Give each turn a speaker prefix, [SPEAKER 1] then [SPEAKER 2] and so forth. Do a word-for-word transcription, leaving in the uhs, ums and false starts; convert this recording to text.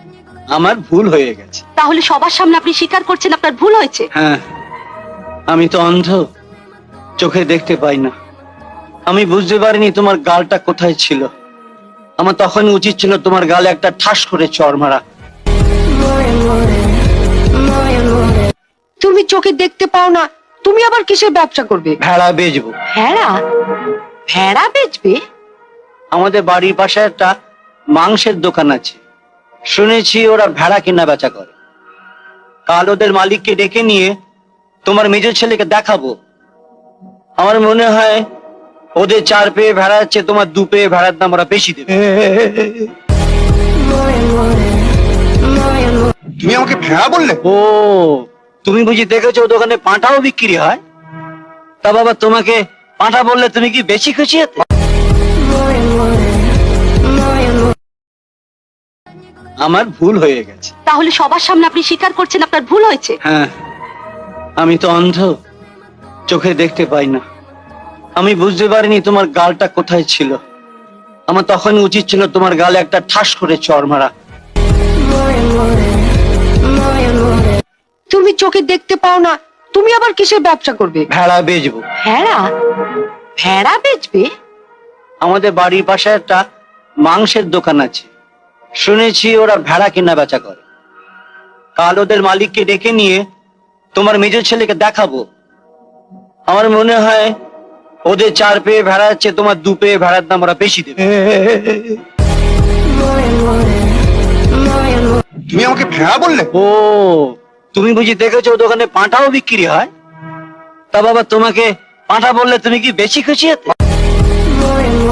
[SPEAKER 1] আমার ভুল হয়ে গেছে।
[SPEAKER 2] তাহলে সবার সামনে আপনি স্বীকার করছেন আপনার ভুল হয়েছে?
[SPEAKER 1] হ্যাঁ, আমি তো অন্ধ, চোখে দেখতে পাই না। আমি বুঝতে পারিনি তোমার গালটা কোথায় ছিল। আমার তখন উচিত ছিল তোমার গালে একটা ঠাস করে চড় মারা।
[SPEAKER 3] তুমি চোখে দেখতে পাও না, তুমি আবার কিসের ব্যবসা করবে?
[SPEAKER 1] ভেড়া বেচবো।
[SPEAKER 2] ভেড়া? ভেড়া বেচবে?
[SPEAKER 1] আমাদের বাড়ির পাশে একটা মাংসের দোকান আছে, শুনেছি ওরা ভেড়া কেনা বেচা করে। কাল ওদের মালিককে ডেকে নিয়ে তোমার মেজর ছেলেকে দেখাবো। আমার মনে হয় ওদের চার পেয়ে ভেড়া আছে, তোমার দু পেয়ে ভেড়ার দাম ওরা বেশি দেবে।
[SPEAKER 4] তুমি আমাকে ভেড়া বললে?
[SPEAKER 1] ও, তুমি বুঝি দেখেছো ও দোকানে পাঁঠাও বিক্রি হয়? তা বাবা, তোমাকে পাঁঠা বললে তুমি কি বেশি খুশি হতে? আমার ভুল হয়ে গেছে।
[SPEAKER 2] তাহলে সবার সামনে আপনি স্বীকার করছেন আপনার ভুল হয়েছে?
[SPEAKER 1] হ্যাঁ, আমি তো অন্ধ, চোখে দেখতে পাই না। আমি বুঝতে পারিনি তোমার গালটা কোথায় ছিল। আমার তখন উচিত ছিল তোমার গালে একটা ঠাস করে চড় মারা।
[SPEAKER 3] তুমি চোখে দেখতে পাও না, তুমি আবার কিসের ব্যবসা করবে?
[SPEAKER 1] ভেড়া বেচবো।
[SPEAKER 2] ভেড়া? ভেড়া বেচবে?
[SPEAKER 1] আমাদের বাড়ির পাশে একটা মাংসের দোকান আছে, শুনেছি ওরা ভেড়া কেনা বেচা করে। কাল ওদের মালিককে ডেকে নিয়ে তোমার মেজর ছেলেকে দেখাবো। আমার মনে হয় ওদের চার পেয়ে ভেড়া আছে, তোমার দু পেয়ে ভেড়ার দাম ওরা বেশি দেবে।
[SPEAKER 4] তুমি আমাকে ভেড়া বললে?
[SPEAKER 1] ও, তুমি বুঝি দেখেছো ও দোকানে পাঁঠাও বিক্রি হয়? তা বাবা, তোমাকে পাঁঠা বললে তুমি কি বেশি খুশি হতে?